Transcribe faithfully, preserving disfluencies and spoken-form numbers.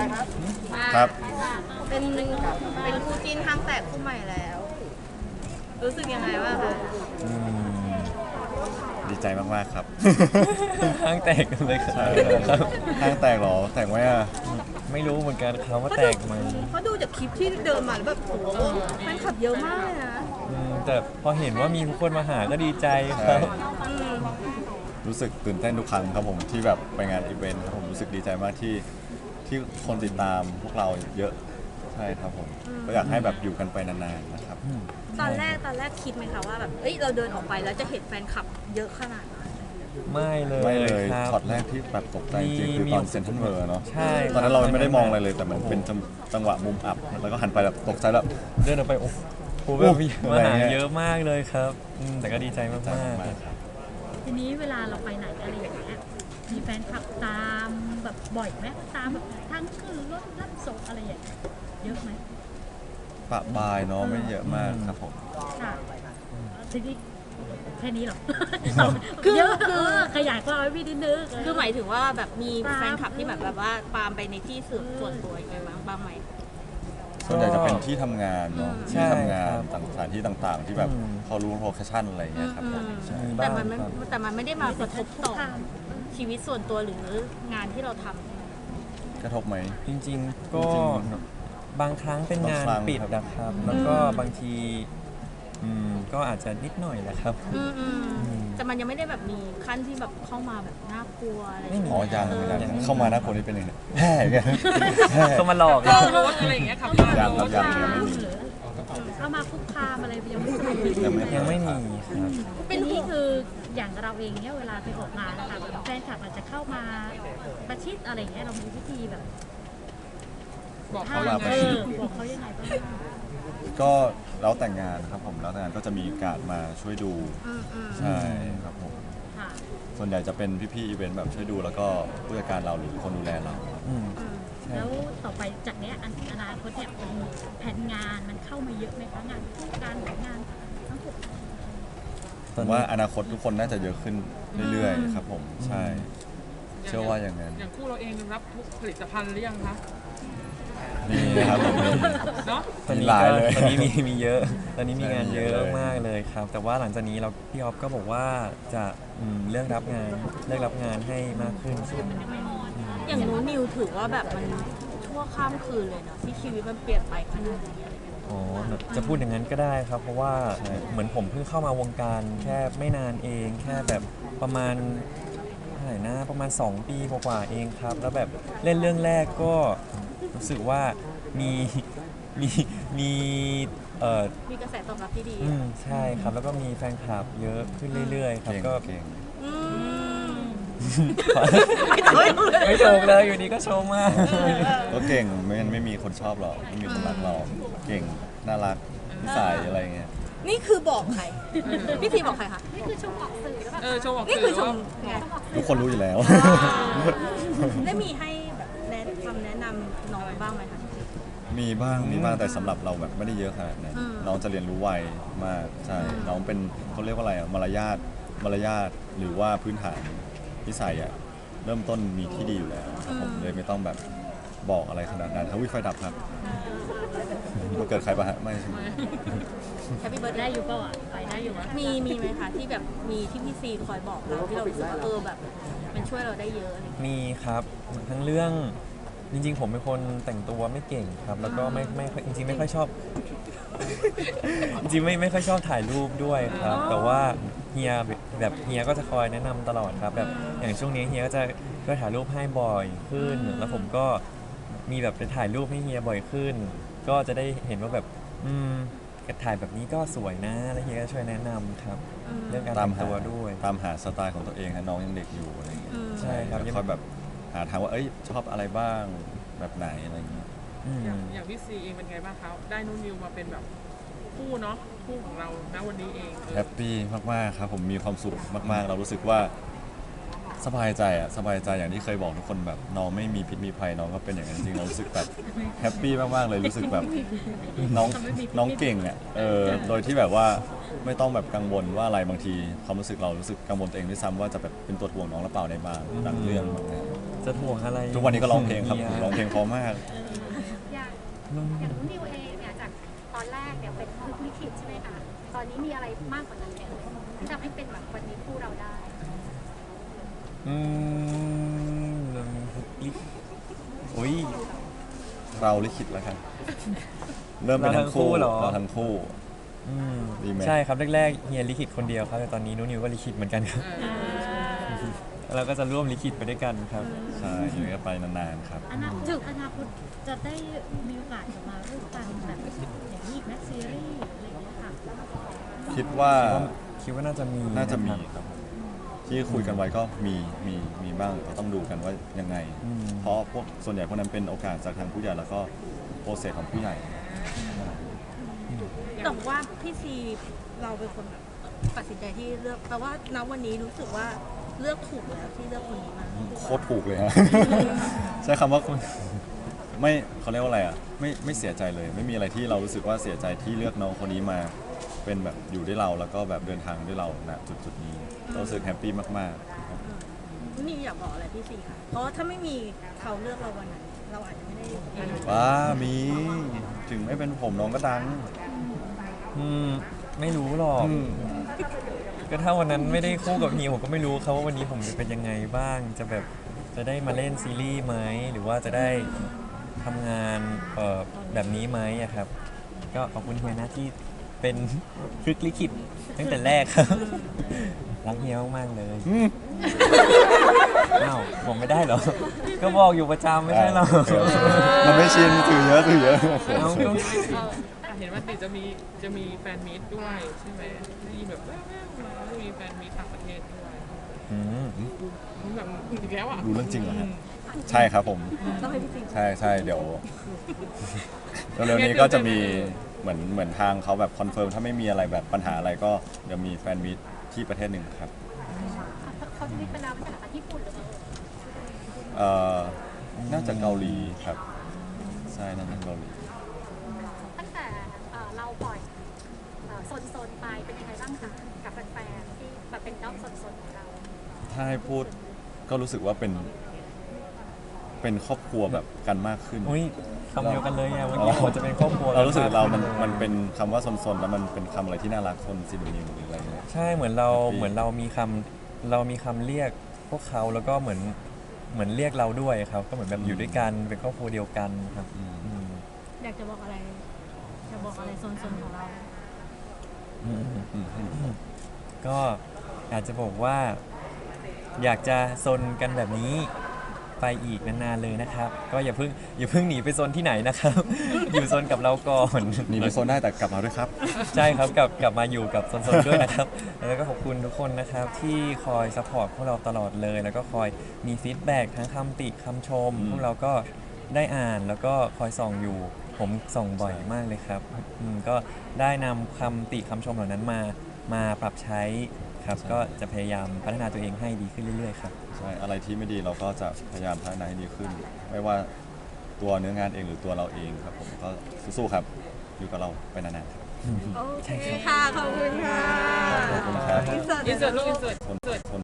ครับเป็นเป็นคู่จิ้นห้างแตกคู่ใหม่แล้ว รู้สึกยังไงบ้างคะดีใจมากๆครับห้างแตกเลยครับห้างแตกหรอแตกไหมอ่ะไม่รู้เหมือนกันครับว่าแตกไหมเพราะดูจากคลิปที่เดินมาแล้วแบบโอ้โหแฟนคลับเยอะมากเลยนะแต่พอเห็นว่ามีคนมาหาก็ดีใจครับรู้สึกตื่นเต้นทุกครั้งครับผมที่แบบไปงานอีเวนต์ครับผมรู้สึกดีใจมากที่ที่คนติดตามพวกเราเยอะใช่ครับผมก็อยากให้แบบอยู่กันไปนานๆนะครับตอนแรกตอนแรกคิดไหมคะว่าแบบเอ้ยเราเดินออกไปแล้วจะเห็นแฟนคลับเยอะขนาดนั้นไม่เลยไม่เลยครับช็อตแรกที่แบบตกใจจริงคือตอนเซ็นทรัลเวิลด์เนาะใช่ตอนนั้นเราไม่ได้มองอะไรเลยแต่มันเป็นจังหวะมุมอับแล้วก็หันไปแบบตกใจแบบเดินออกไปโอ้โหแบบมาหาเยอะมากเลยครับแต่ก็ดีใจมากๆทีนี้เวลาเราไปไหนอะไรอย่างเงี้ยมีแฟนคลับตามแบบบ่อยไหมตามแบบทั้งคือรถรับส่งอะไรอย่างเงี้ยเยอะไหมปะบายเนาะไม่เยอะมากครับผมค่ะทีนี้แค่นี้หรอคือเยอะคือขยายความไว้พี่นิดนึงคือหมายถึงว่าแบบมีแฟนคลับที่แบบแบบว่าตามไปในที่ส่วนตัวยังไงบ้างบ้างไหมส่วนใหญ่จะเป็นที่ทำงานเนาะที่ทำงานต่างสถานที่ต่างๆที่แบบเขารู้โลเคชั่นอะไรเงี้ยครับแต่มันไม่แต่มันไม่ได้มากระทบต่อชีวิตส่วนตัวหรืองานที่เราทำกระทบไหมจริงๆก็บางครั้งเป็นงานปิดนะครับแล้วก็บางทีก็อาจจะนิดหน่อยแหละครับแต่มันยังไม่ได้แบบมีขั้นที่แบบเข้ามาแบบน่ากลัวอะไรอ๋อยังยังเข้ามาน่ากลัวนี่เป็นยังไงแห่ไงเข้ามาหลอกรถอะไรอย่างเงี้ยครับยังครับยังยังไม่มีเข้ามาคุกคามอะไรยังไม่มียังไม่มีครับเป็นนี่คืออย่างเราเองเนี่ยเวลาไปออกงานนะคะแฟนคลับอาจจะเข้ามาประชิดอะไรเงี้ยเรามีวิธีแบบบอกเขายังไงบอกเขายังไงบ้างก็แล้วแต่งงานครับผมแล้วแต่งงานก็จะมีการมาช่วยดูใช่ครับผมส่วนใหญ่จะเป็นพี่ๆอีเวนต์แบบช่วยดูแล้วก็ผู้จัดการเราหรือคนดูแลเราแล้วต่อไปจากนี้อนาคตเนี่ยแผนงานมันเข้ามาเยอะไหมคะงานการงานทั้งหมดผมว่าอนาคตทุกคนน่าจะเยอะขึ้นเรื่อยๆครับผมใช่เชื่อว่าอย่างนั้นอย่างคู่เราเองรับทุกผลิตภัณฑ์หรือยังคะมีนะครับผมเนาะตอนนี้ก็ตอนนี้มีมีเยอะตอนนี้มีงานเยอะมากเลยครับแต่ว่าหลังจากนี้เราพี่ออฟก็บอกว่าจะเลือกรับงานเลือกรับงานให้มากขึ้นอย่างนู้นนิวถือว่าแบบมันชั่วข้ามคืนเลยเนาะที่ชีวิตมันเปลี่ยนไปขนาดนี้อ๋อจะพูดอย่างนั้นก็ได้ครับเพราะว่าเหมือนผมเพิ่งเข้ามาวงการแค่ไม่นานเองแค่แบบประมาณเท่าไหร่นะประมาณสองปีกว่าเองครับแล้วแบบเล่นเรื่องแรกก็รู้สึกว่ามีมีมีเอ่อมีกระแสตอบรับที่ดีอืมใช่ครับแล้วก็มีแฟนคลับเยอะขึ้นเรื่อยๆครับก็เก่งไม่ถูกไม่ถูกเลยอยู่ดีก็ชมมากก็เก่งไม่งั้นไม่มีคนชอบหรอกไม่มีคนรักเราเก่งน่ารักนิสัยอะไรเงี้ยนี่คือบอกใครพี่ทีบอกใครคะนี่คือชมออกสื่อแล้วแบบเออชมออกสื่อนี่คือชมทุกคนรู้อยู่แล้วได้มีให้แบบแนะคำแนะนำน้องบ้างไหมคะมีบ้างมีบ้างแต่สำหรับเราแบบไม่ได้เยอะขนาดนั้นน้องจะเรียนรู้ไวมากใช่น้องเป็นเขาเรียกว่าอะไรอะมารยาทมารยาทหรือว่าพื้นฐานนิสัยอะเริ่มต้นมีที่ดีอยู่แล้วครับผมเลยไม่ต้องแบบบอกอะไรขนาดนั้นถ้าวิไฟดับครับมันเกิดใครปะฮะไม่ใช่ไหมแฮปปี้เบิร์ดได้อยู่เปล่าอ่ะไปได้อยู่มีมีไหมคะที่แบบมีที่พี่ซีคอยบอกเราที่เรารู้สึกว่าเออแบบมันช่วยเราได้เยอะมีครับทั้งเรื่องจริงๆผมเป็นคนแต่งตัวไม่เก่งครับแล้วก็ไม่ไม่จริงๆไม่ค่อยชอบจริงๆไม่ไม่ค่อยชอบถ่ายรูปด้วยครับแต่ว่าเฮียแบบเฮียก็จะคอยแนะนำตลอดครับแบบอย่างช่วงนี้เฮียก็จะก็ถ่ายรูปให้บ่อยขึ้นแล้วผมก็มีแบบไปถ่ายรูปให้เฮียบ่อยขึ้นก็จะได้เห็นว่าแบบอืมถ่ายแบบนี้ก็สวยนะแล้วเฮียก็ช่วยแนะนำครับเรื่องการแต่งตัวด้วยตามหาสไตล์ของตัวเองนะน้องยังเด็กอยู่อะไรอย่างเงี้ยใช่ครับคอยแบบหาทางว่าเอ้ยชอบอะไรบ้างแบบไหนอะไรอย่างเงี้ยอย่างอย่างพี่ซีเองเป็นไงบ้างคะได้นุ่นนิวมาเป็นแบบคู่เนาะคู่ของเราณวันนี้เองแฮปปี้มากๆครับผมมีความสุขมากๆเรารู้สึกว่าสบายใจอะสบายใจอย่างที่เคยบอกทุกคนแบบน้องไม่มีพิษมีภัยน้องก็เป็นอย่างนั้นจริงเรารู้สึกแบบแฮปปี้มากๆเลยรู้สึกแบบน้องน้องเก่งอะเออโดยที่แบบว่าไม่ต้องแบบกังวลว่าอะไรบางทีความรู้สึกเรารู้สึกกังวลตัวเองด้วยซ้ำว่าจะแบบเป็นตัวถ่วงน้องหรือเปล่าในบางบางเรื่องแบบนี้จะถ่วงอะไรทุกวันนี้ก็ร้องเพลงครับฮียร้องเพลงเพราะมากอย่างอย่างนุ่นนิวเองเนี่ยจากตอนแรกเนี่ยเป็นพลิกลิขิตใช่ไหมคะตอนนี้มีอะไรมากกว่านั้นไหมที่ทำให้เป็นแบบวันนี้คู่เราได้อืมลิอุ้ยเราลิขิตแล้วกันเริ่มเป็นทั้งคู่เราทั้งคู่เหรอเราทั้งคู่อืมดีไหมใช่ครับแรกๆเฮียลิขิตคนเดียวครับแต่ตอนนี้นุนิวก็ลิขิตเหมือนกันครับเออเราก็จะร่วมลิขิตไปด้วยกันครับใช่อยู่กันไปนานๆครับอนาคตอนาคตจะได้มีโอกาสจะมาร่วมกันแบบอย่างนี้อีกแม็กซีรีส์อะไรอย่างเงี้ยค่ะคิดว่าคิดว่าน่าจะมีน่าจะมีครับครับที่คุยกันไว้ก็มีมีมีบ้างก็ต้องดูกันว่ายังไงอืมเพราะพวกส่วนใหญ่พวกนั้นเป็นโอกาสจากทางผู้ใหญ่แล้วก็โปรเซสของผู้ใหญ่แต่ว่าพี่ซีเราเป็นคนแบบตัดสินใจที่เลือกแต่ว่าณวันนี้รู้สึกว่าเลือกถูกแล้วที่เลือกคนนี้มาโคตรถูกเลยฮะ ใช้คำว่าไม่เขาเรียกว่าอะไรอ่ะไม่ไม่เสียใจเลย ไม่มีอะไรที่เรารู้สึกว่าเสียใจที่เลือกน้องคนนี้มาเป็นแบบอยู่ด้วยเราแล้วก็แบบเดินทางด้วยเราณจุดจุดๆนี้เรารู้สึกแฮปปี้มากๆครับนี่อยากบอกอะไรพี่ซีค่ะ เพราะว่าถ้าไม่มีเขาเลือกเราวันนั้นเราอาจจะไม่ได้ว้ามีถึงไม่เป็นผมน้องก็ดังอืมไม่รู้หรอกอืมก็ถ้าวันนั้นไม่ได้คู่กับเฮียผมก็ไม่รู้ครับว่าวันนี้ผมจะเป็นยังไงบ้าง จะแบบจะได้มาเล่นซีรีส์ไหมหรือว่าจะได้ทำงานเอ่อแบบนี้ไหมอะครับ ก็ขอบคุณเฮียนะที่เป็นพลิกลิขิตตั้งแต่แรกครับ รักเฮียมากๆเลยอืมอ้าวบอกไม่ได้เหรอ ก็บอกอยู่ประจำไม่ใช่เหรอมันไม่ชินถือเยอะถือเยอะเอาก็อ่ะเห็นว่าติจะมีจะมีแฟนมีตด้วยใช่ไหมมีแบบแว่วๆมาว่ามีแฟนมีตต่างประเทศด้วยอืมแบบอีกแล้วอ่ะดูเรื่องจริงเหรอฮะใช่ครับผมต้องให้พี่ซีใช่ใช่เดี๋ยวเร็วๆนี้ก็จะมีเหมือนเหมือนทางเขาแบบคอนเฟิร์มถ้าไม่มีอะไรแบบปัญหาอะไรก็เดี๋ยวมีแฟนมีตที่ประเทศหนึ่งครับเขาจะมีเป็นเราเป็นภาษาญี่ปุ่นหรือเปล่าเอ่อน่าจะเกาหลีครับใช่น่าจะเกาหลีตั้งแต่เอ่อเราปล่อยเอ่อโซนๆไปเป็นยังไงบ้างคะกับแฟนๆที่แบบเป็นด้อมโซนๆของเราถ้าให้พูดก็รู้สึกว่าเป็น เป็นครอบครัวแบบกันมากขึ้นอุ้ยคำเดียวกันเลยไงเมื่อกี้ผมจะเป็นครอบครัวเรารู้สึกเรามันมันเป็นคำว่าซนๆ แล้วมันเป็นคำอะไรที่น่ารักซนซินนิวหรืออะไรเงี้ยใช่เหมือนเรา Happy เหมือนเรามีคำเรามีคำเรียกพวกเขาแล้วก็เหมือนเหมือนเรียกเราด้วยครับ ก็เหมือนแบบอยู่ด้วยกันเป็นครอบครัวเดียวกันครับอืมอืมอยากจะบอกอะไรจะบอกอะไรโซนๆของเราอืมอืมอืมก็อยากจะบอกว่า อยากจะซนกันแบบนี้ไปอีกนานๆเลยนะครับ ก็อย่าเพิ่งอย่าเพิ่งหนีไปซนที่ไหนนะครับ อยู่ซนกับเราก่อนหนีไปโซนได้แต่กลับมาด้วยครับใช่ครับกลับกลับมาอยู่กับโซนๆด้วยนะครับ แล้วก็ขอบคุณทุกคนนะครับ ที่คอยซัพพอร์ตพวกเราตลอดเลย แล้วก็คอยมีฟีดแบ็กทั้งคำติคำชมอืมพวกเราก็ได้อ่านแล้วก็คอยส่องอยู่ ผมส่องบ่อยมากเลยครับอืมก็ได้นำคำติคำชมเหล่านั้นมามาปรับใช้ครับ ก็จะพยายามพัฒนาตัวเองให้ดีขึ้นเรื่อยๆครับใช่อะไรที่ไม่ดีเราก็จะพยายามพัฒนาให้ดีขึ้น ไม่ว่าตัวเนื้องานเองหรือตัวเราเองครับผมก็สู้ๆครับ อยู่กับเราไปนานๆครับโอเคค่ะ ขอบคุณค่ะขอบคุณครับอินเสิร์ตอินเสิร์ตลูกอินเสิร์ตคนคน